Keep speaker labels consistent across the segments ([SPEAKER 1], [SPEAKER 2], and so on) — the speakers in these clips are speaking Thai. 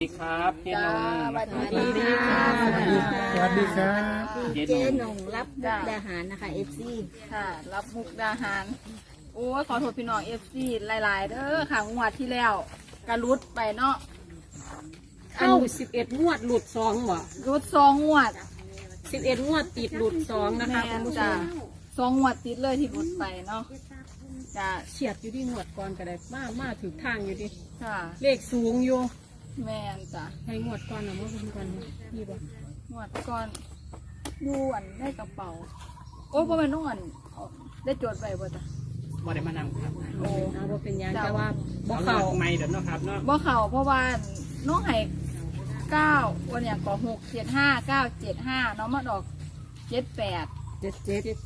[SPEAKER 1] สวัสดีครับเจนง
[SPEAKER 2] สวัสดีค่ะ
[SPEAKER 3] สวัสดีครับ
[SPEAKER 2] เจ๊นงรับมุกดาหารนะคะเอฟซีค่ะ รับมุกดาหารโอ้ขอโทษพี่น้องเอฟซีหลายๆเด้อค่ะงวดที่แล้วกระลุดไปเนาะ
[SPEAKER 3] เข้า11 งวดหลุด2บ่
[SPEAKER 2] รุด2 งวด
[SPEAKER 3] 11 งวดติดหลุด2นะคะ
[SPEAKER 2] แม่
[SPEAKER 3] คุณ
[SPEAKER 2] น
[SPEAKER 3] ผู้ช
[SPEAKER 2] จ้าม 2 งวดติดเลยที่รุดไปเนาะจ้า
[SPEAKER 3] เฉียดอยู่ที่งวดก่อนก็ได้มาถึงทางอยู่ดิ
[SPEAKER 2] ค่ะ
[SPEAKER 3] เลขสูงอยู่
[SPEAKER 2] แม่นจ้า
[SPEAKER 3] ให้งวดก่อนนะเมื่อวันก่อนนี่บ่
[SPEAKER 2] งวดก่อนดูอันได้กระเป๋าโอ้เพราะมันต้องอันเอาได้จดไว้บ่จ้ะ
[SPEAKER 1] บ่ได้มานั่งครับ
[SPEAKER 2] โอ้
[SPEAKER 3] เอาบ่เป็นหยัง
[SPEAKER 2] จ้ะ
[SPEAKER 3] แต่ว่าบ่
[SPEAKER 1] เข้า
[SPEAKER 3] เข้า
[SPEAKER 1] ไม่เดี๋ยวนะครับเนาะ
[SPEAKER 2] บ่เข่าเพราะว่าน้องให้9วันอย่างก็675 975น้องมาดอก78
[SPEAKER 3] 77
[SPEAKER 2] จ้ะ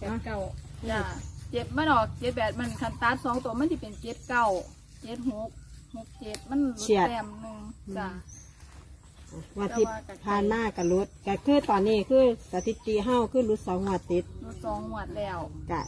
[SPEAKER 3] 89
[SPEAKER 2] 7มาดอก78มันคันตัด2ตัวมันสิเป็น79 76 67มันลดแต้มหนึงจ้ะ
[SPEAKER 4] วันที่ผ่านมากับรุดก็คือตอนนี้คือสถิติเฮาคือรุด2 งวดติด
[SPEAKER 2] ลด2 งวดแล้ว
[SPEAKER 4] กะ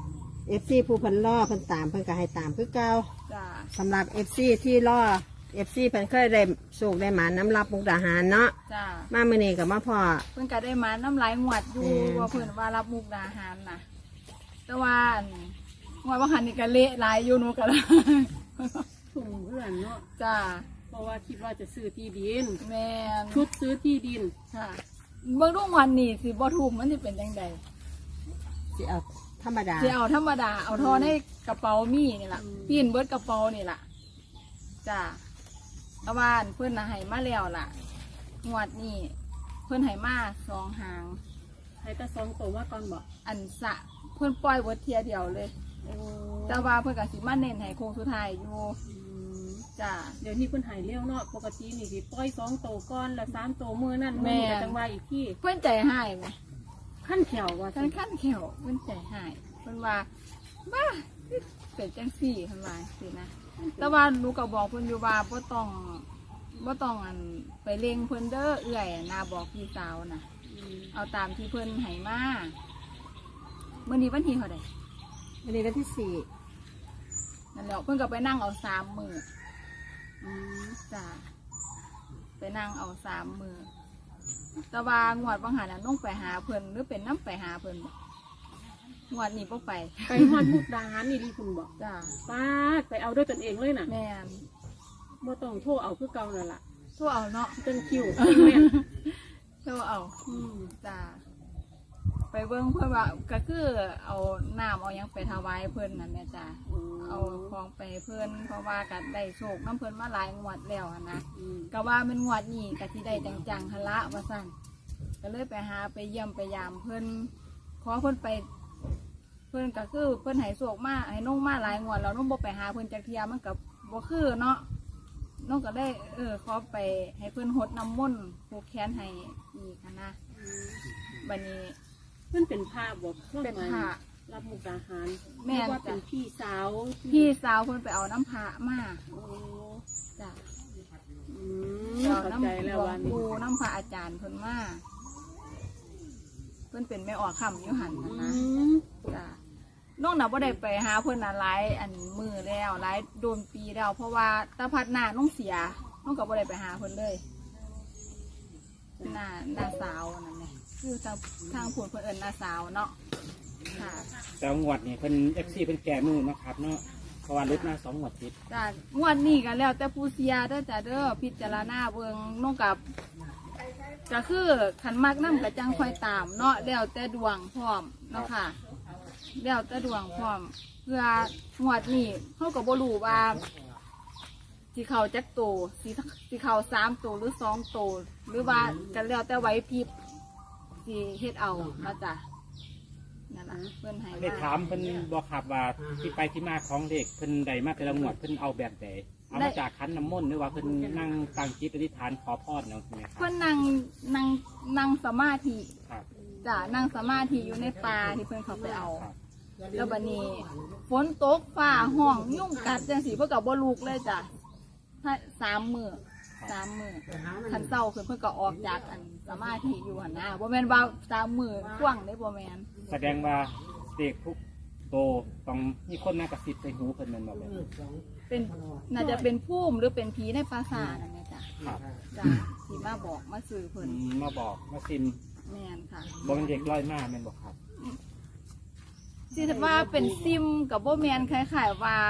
[SPEAKER 4] FC ผู้เพิ่นล่อเพิ่นตามเพิ่นก็ให้ตามคือเก่า
[SPEAKER 2] จ้ะ
[SPEAKER 4] สำหรับ FC ที่ล่อ FC เพิ่นเคยได้โชคได้หมาน้ำรับมุกดาหารเนาะ
[SPEAKER 2] จ้ะ
[SPEAKER 4] มามื้อนี้ก็มาพ่อ
[SPEAKER 2] เพิ่นก็ได้มาน้ำลายงวดอยู่ ว่าเพิ่นว่ารับมุกดาหารน่ะแต่ว่าอันงวดว่าหันนี่ก็เละหลายอยู่หนูก็เลย
[SPEAKER 3] ถุงเพื่อนเนาะ
[SPEAKER 2] จ้ะ
[SPEAKER 3] เพราะว่าคิดว่าจะซื้อที่ดิน
[SPEAKER 2] แม่น
[SPEAKER 3] ชุดซื้อที่ดิน
[SPEAKER 2] ค่ะเบิ่งดูวันนี้สิบ่ถูกมันสิเป็นจังได
[SPEAKER 4] สิเอาธรรมดา
[SPEAKER 2] สิเอาธรรมดาเอาทอในกระเป๋ามีนี่ล่ะปีนเบิดกระเป๋านี่ล่ะจ้าตะวันเพิ่นน่ะให้มาแล้วล่ะงวดนี้เพิ่นให้มา2 หาง
[SPEAKER 3] ให้แต่2ตัวว่าก่อนบ่
[SPEAKER 2] อันสะเพิ่นปล่อยเบิดเทียเดียวเลย
[SPEAKER 3] โอ้
[SPEAKER 2] แต่ว่าเพิ่นก็สิมาเน้นให้โค้งสุดท้ายอยู่จ้า
[SPEAKER 3] เดี๋ยวนี้เพิ่นใหายเร็วเนาะปกตินี่สิปล่อย2ตัวก่อนแล้ว3ตัวมื้อนั้น
[SPEAKER 2] แม่
[SPEAKER 3] มื้อนี้ก็จังว่าอีกที่
[SPEAKER 2] เพิ่นใจหายไหม
[SPEAKER 3] ขั้นแถวว่า
[SPEAKER 2] ท่านขั้นแขวเพิ่นใจหายเพิ่นว่าบ้าเป็นจังซี่เพิ่นว่าสินะ แต่ว่าหนูก็บอกเพิ่นอยู่ว่าบ่ต้องอันไปเล็งเพิ่นเด้อเอื้อยนาบอกพี่สาวนะเอาตามที่เพิ่นให้มามื้อนี้วันที่เท่าใด
[SPEAKER 4] วันนี้วันที่
[SPEAKER 2] นั่นแหละเพิ่นก็ไปนั่งเอา3 มื้อจ้าไปนั่งเอา3 มื้อแต่ว่างวดบางหันน่ะน้องไปหาเพิ่นหรือเป็นน้ำไปหาเพิ่นบ่งวดนี้บ่ไป
[SPEAKER 3] ไปฮอดมุกดาหารนี่ดีคุณบอก
[SPEAKER 2] จ้า
[SPEAKER 3] ป้าดไปเอาด้วยตนเองเลยน่ะ
[SPEAKER 2] แม่น
[SPEAKER 3] บ่ต้องโทรเอาคือเก่านั่นล่ะ
[SPEAKER 2] โทรเอาเนาะ
[SPEAKER 3] จนคิวจนแม่น
[SPEAKER 2] โทรเอา
[SPEAKER 3] อืม
[SPEAKER 2] จ้าไปเบิ่งเพื่อนว่าก็คือเอาน้ำเอาหยังไปถวายเพิ่นนั่นแหละจ้าเอาของไปให้เพิ่นเพราะว่าก็ได้โชคน้ำเพิ่นมาหลายงวดแล้วหั้นนะ
[SPEAKER 3] อืม
[SPEAKER 2] ก็ว่ามันงวดนี้ก็สิได้จังๆหั่นละว่าซั่นก็เลยไปหาไปเยี่ยมไปยามเพิ่นขอเพิ่นไป เพิ่นก็คือเพิ่นให้โชคมาให้น้องมาหลายงวดแล้วน้องบ่ไปหาเพิ่นจักเที่ยมันก็บ่คือเนาะน้องก็ได้ขอไปให้เพิ่นหดน้ำมนต์ผูกแขนให้อีกหั้นนะบัดนี้
[SPEAKER 3] เพิ่นเป็นภาพบอก
[SPEAKER 2] เป็นพระ
[SPEAKER 3] รับมุกดาหาร
[SPEAKER 2] แม่น
[SPEAKER 3] เรียกว่า
[SPEAKER 2] จ้ะ
[SPEAKER 3] เป็นพี่สาว
[SPEAKER 2] พี่สาวเพิ่นไปเอาน้ำพระมา
[SPEAKER 3] โอ้
[SPEAKER 2] จ้ะ
[SPEAKER 3] อืม
[SPEAKER 2] เอา
[SPEAKER 3] เข้า
[SPEAKER 2] น้ำ
[SPEAKER 3] ใจ
[SPEAKER 2] หล
[SPEAKER 3] แล้ว
[SPEAKER 2] ว
[SPEAKER 3] วัน
[SPEAKER 2] ง
[SPEAKER 3] นี้
[SPEAKER 2] ปู่น้ำพระอาจารย์เพิ่นมาเพิ่นเป็นแม่ออกคำอยู่หันนะ
[SPEAKER 3] อื
[SPEAKER 2] นะ
[SPEAKER 3] ม
[SPEAKER 2] จ้ะน้องน่ะบ่ได้ไปหาเพิ่นน่ะหลายอันมือแล้วหลายโดนปีแล้วเพราะว่าตาพัดหน้าน้องเสียน้องก็บ่ได้ไปหาเพิ่นเลยหน้าสาวนั่นแหละคือทางผู้เพิ่นเอิ้นหน้าสาวเนาะค่ะ
[SPEAKER 1] แต่งวดนี่เพิ่น FC เพิ่นแก่มือนะครับเนาะเพราะว่ารุดมา2 งวดติด
[SPEAKER 2] จ้ะงวดนี้ก็แล้วแต่ผู้เสียเด้อจ้ะเด้อพิจารณาเบิ่งน้องกับก็คือขันมากน้ำกระจังคอยตามเนาะแล้วแต่ดวงพร้อมเนาะค่ะแล้วแต่ดวงพร้อม เพื่องวดนี้เขาก็บ่รู้ว่าสิเขาจักโตสิเขา3 ตัวหรือ2 ตัวหรือว่ากันแล้วแต่ไหวพริบสิเฮ็ดเอาเนาะจ้ะนั่นล่ะเพิ่นให้
[SPEAKER 1] ได้
[SPEAKER 2] มา
[SPEAKER 1] ถามเพิ่นบอกครับว่าที่ไปที่มาของเด็กเพิ่นได้มาแต่ละงวดเพิ่นเอาแบบใดเอามาจากคันน้ำมนต์หรือว่าเพิ่นนั่งตั้งจิตอธิษฐานขอพรเนาะใช่ไหมครับ
[SPEAKER 2] เพิ่นนั่งสมาธิ
[SPEAKER 1] ครับ
[SPEAKER 2] จ้ะนั่งสมาธิอยู่ในป่าที่เพิ่นเขาไปเอา
[SPEAKER 1] ครับ
[SPEAKER 2] แล้วบัดนี้ฝนตกฟ้าห้องยุ่งกัดจังสีเพื่อกับบ่ลูกเลยจ้ะถ้า3 มื้อขันเศร้าคือเพื่อก็ออกจากอันสมาธิอยู่หันนะบ่แม่นว่า3 มื้อกว้างได้บ่แม่น
[SPEAKER 1] แสดงว่าเด็กทุกโตต้องมีคนมากระซิบใส่หูเพิ่นแม่นบ่แบบ
[SPEAKER 2] เป็นน่าจะเป็นภูมิหรือเป็นผีในปราสาทนั่นแหละจ้ะ
[SPEAKER 1] ครับ
[SPEAKER 2] จ้ะที่มาบอกมาซื้อเพิ่น
[SPEAKER 1] มาบอกมาซิม
[SPEAKER 2] แม่นค่ะ
[SPEAKER 1] บอกเป็นเด็กร้อยมาแม่นบอกครับ
[SPEAKER 2] สิว่าเป็นซิมกับบ่แม่นคล้ายๆว่า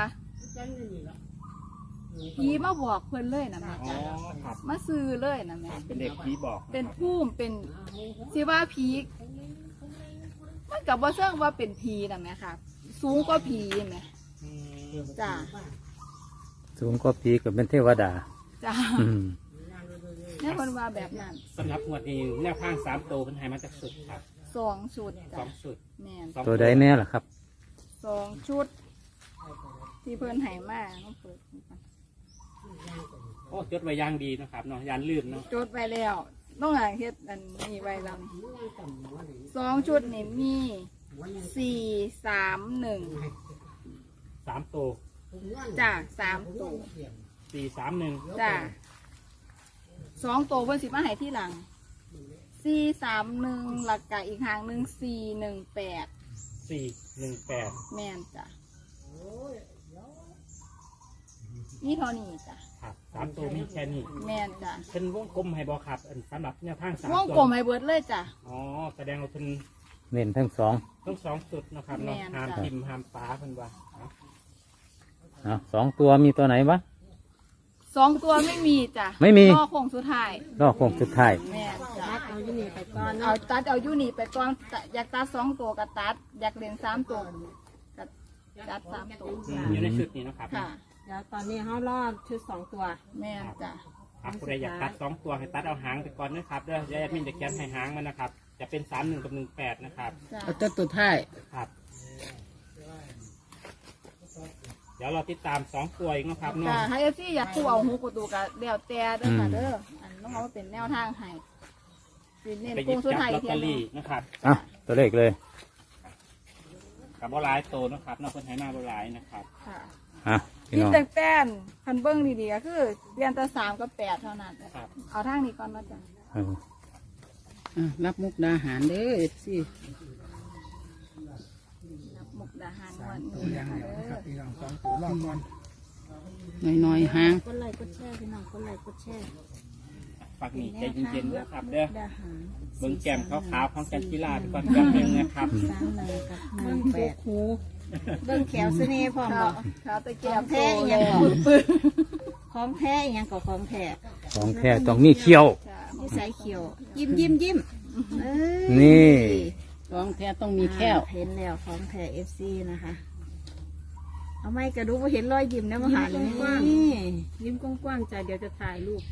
[SPEAKER 2] ผีมาบอกเพิ่นเลยนะแม่
[SPEAKER 1] อ๋อครับ
[SPEAKER 2] มาซื้อเลยนะแม่
[SPEAKER 1] เป็นเด็กผีบอกะ
[SPEAKER 2] เป็น
[SPEAKER 1] ครับ
[SPEAKER 2] ภูมิเป็นสิว่าผีมันกับว่าเสื่องว่าเป็นผีนะแม่ค่ะ สูงกว่าผีแม่
[SPEAKER 1] อืม
[SPEAKER 2] จ้า
[SPEAKER 5] สูงก็ผีก็เป็นเทวดา
[SPEAKER 2] จ้า
[SPEAKER 5] อืม
[SPEAKER 2] เนี่ยคนว่าแบบนั้น
[SPEAKER 1] สำหรับงวดนี้แนวข้าง3ตัวเป็นไฮมาจากสุดครับ
[SPEAKER 2] 2 ชุดจ้ะ
[SPEAKER 1] 2สุด
[SPEAKER 2] แม่น
[SPEAKER 1] สอง
[SPEAKER 5] ตัวใดแน่ล่ะครับ
[SPEAKER 2] 2 ชุด ที่เพิ่นให้มาต้องเปิดดูก่อน
[SPEAKER 1] โอ้จดไว้อย่างดีนะครับเนาะยานลืมเนาะ
[SPEAKER 2] จดไว้แล้วต้องหาเฮ็ดอันนี้ไว้แล้วนี่2 ชุดนี่มี4 3
[SPEAKER 1] 3ตัว
[SPEAKER 2] 1จ้า3 ตัว
[SPEAKER 1] 431
[SPEAKER 2] จ้า2 ตัวเพิ่นสิมาให้ที่หลัง431หลักกะอีกหางหนึ่ง418
[SPEAKER 1] 418
[SPEAKER 2] แม่นจ้ะนี่เท่านี้จ้ะ
[SPEAKER 1] ครับ3ตัวมีแค่นี้
[SPEAKER 2] แม่นจ้ะ
[SPEAKER 1] เป็นวงกลมให้บอครับอันสำหรับแนวทาง3
[SPEAKER 2] วงกลมให้เบิดเลยจ้ะ
[SPEAKER 1] อ๋อแสดงว่าเป็น
[SPEAKER 5] เน้นทั้งสอง
[SPEAKER 1] ทั้ง2สุดนะครับเนาะ
[SPEAKER 2] แม่น
[SPEAKER 1] ห้าม
[SPEAKER 2] จ้ะ
[SPEAKER 1] พิมพ์ห้ามป้าเพิ่นว่าเอา
[SPEAKER 5] สองตัวมีตัวไหนบ้าง
[SPEAKER 2] 2 ตัวไม่มีจ้ะ
[SPEAKER 5] ไม่มี
[SPEAKER 2] รอโค้งสุดท้าย
[SPEAKER 5] รอบโค้งสุดท้าย
[SPEAKER 2] แม่นจ้ะ
[SPEAKER 4] ตัดเอาอยู่นี่ไปก่อน
[SPEAKER 2] เอา
[SPEAKER 4] เนาะ
[SPEAKER 2] ตัดเอาอยู่นี่ไปก่อนอยากตัด2 ตัวก็ตัด อยากเล่น3 ตัวก็ตัด3 ตัว
[SPEAKER 1] อยู่ในชุดนี้นะครับ
[SPEAKER 2] ค่ะ
[SPEAKER 4] เดี๋ยวตอนนี้เขารอดชุด2 ตัว
[SPEAKER 2] แม่นจ้ะ
[SPEAKER 1] ครับผู้ใดอยากตัด2ตัวให้ตัดเอาหางไปก่อนนะครับเด้อเดี๋ยวแอดมินจะเขียนให้หางมันนะครับ จะเป็น31กับ18นะครับ
[SPEAKER 2] จ้ะ
[SPEAKER 6] เอาตัวท้าย
[SPEAKER 1] ครับ เดี๋ยวเราติดตาม2ตัวอีกนะครับ
[SPEAKER 2] จ้ะ
[SPEAKER 1] เนาะ
[SPEAKER 2] ให้เอฟซีอยากคู่เอาหูประตูก็แล้วแต่เด้อค่ะเด้ออันต้องเอามาเป็นแนวทางให้สิเน้น
[SPEAKER 1] ไปห
[SPEAKER 2] โค้
[SPEAKER 1] ยิ
[SPEAKER 2] ง
[SPEAKER 1] บ
[SPEAKER 2] สุด
[SPEAKER 1] จับ
[SPEAKER 2] ท้าย
[SPEAKER 1] ลอต
[SPEAKER 2] เที
[SPEAKER 1] เต
[SPEAKER 2] ย
[SPEAKER 1] อน
[SPEAKER 2] หนึ
[SPEAKER 1] รี่
[SPEAKER 2] ง
[SPEAKER 1] นะครับ
[SPEAKER 5] อ่ะตัวเลขเลย
[SPEAKER 1] กับบอลายโตนะครับนอกคนไทยมาบอลายนะครับ
[SPEAKER 2] ค่ะ
[SPEAKER 5] อ่ะพี่
[SPEAKER 2] ที่
[SPEAKER 5] น้อง
[SPEAKER 2] แต่งแต่นคันเบิ้งดีๆก็คือเรียนแต่3กับ8เท่านั้น
[SPEAKER 1] ครับ
[SPEAKER 2] เอาทางนี้ก่อนนะจ๊ะ
[SPEAKER 5] เออ
[SPEAKER 6] อ่ะรับมุกดาหารเด้อเอฟซี
[SPEAKER 2] รับมุกดาหารวันนี้นะคะเด้อ
[SPEAKER 6] หน่อยๆหาง
[SPEAKER 4] กดไลค์กดแชร์พี่น้องกดไลค์กดแชร์
[SPEAKER 1] ฝากนี่ใจเย็นๆนะครับเด้อ
[SPEAKER 4] ดาหาร
[SPEAKER 1] เบิ้งแก้มขาวๆของจันกีฬาไปก่อนแป๊บนึงนะครับ
[SPEAKER 4] 31กับ
[SPEAKER 6] เบิ่ง
[SPEAKER 4] 18
[SPEAKER 6] หู
[SPEAKER 4] เบิ่งแขวเสน่ห์พร้อม
[SPEAKER 2] ขา
[SPEAKER 4] บ่
[SPEAKER 2] ขาตะเกียบ
[SPEAKER 4] แท้
[SPEAKER 2] โต
[SPEAKER 4] อีห
[SPEAKER 2] เล
[SPEAKER 4] ยัง
[SPEAKER 2] ย
[SPEAKER 4] ก่อน
[SPEAKER 2] ปึ้ง
[SPEAKER 4] ของแท้อีหยังก็ของแท้
[SPEAKER 5] ของแท้ต้องมีเขี้ยว
[SPEAKER 2] จ้ะ
[SPEAKER 4] นิสัยเขียว ยิ้มเอ้ย
[SPEAKER 5] นี่
[SPEAKER 6] ของแท้ต้องมีแค้ว
[SPEAKER 4] เห็นแล้วของแท้ FC นะคะ เอาไม่กระดูกว่าเห็นรอยยิ้มนะมาหาเลยนี่
[SPEAKER 3] ยิ้มกว้างๆจ้ะเดี๋ยวจะถ่ายรูป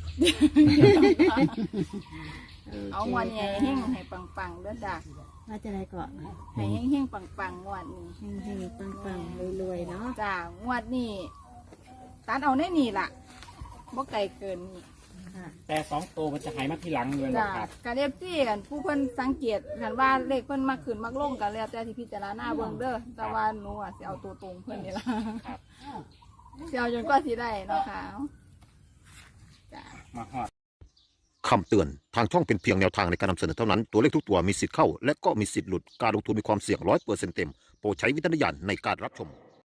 [SPEAKER 2] เอางวดนี้ให้เฮงให้ปังๆเด้อจ้ะ
[SPEAKER 4] ว่าจะได้ก่อน
[SPEAKER 2] ให้เฮงๆปังๆงวดนี้
[SPEAKER 4] เฮงๆปังๆรวยๆเนาะ
[SPEAKER 2] จ้างวดนี้ตัดเอาแน่นี่ล่ะบ่ไกลเกินนี่
[SPEAKER 4] ค่ะ
[SPEAKER 1] แต่2ตัวมันจะหายมาทีหลังเลย
[SPEAKER 2] จ้า
[SPEAKER 1] นะครับ
[SPEAKER 2] การเรียบจี้กันผู้เพิ่นสังเกตกันว่าเลขเพิ่นมาขึ้นมักลงกันแล้วแต่ที่พิจารณาเบิ่งเด้อแต่ว่าหนูอ่ะสิเอาตัวตรงเพิ่นนี่ล่ะ
[SPEAKER 1] ครับ
[SPEAKER 2] สิเอาจนกว่าสิได้เนาะค่ะจ้า
[SPEAKER 1] มาฮอด
[SPEAKER 7] คำเตือน ทางช่องเป็นเพียงแนวทางในการนำเสนอเท่านั้น ตัวเลขทุกตัวมีสิทธิ์เข้า และก็มีสิทธิ์หลุด การลงทุนมีความเสี่ยง100%เต็ม โปรดใช้วิจารณญาณในการรับชม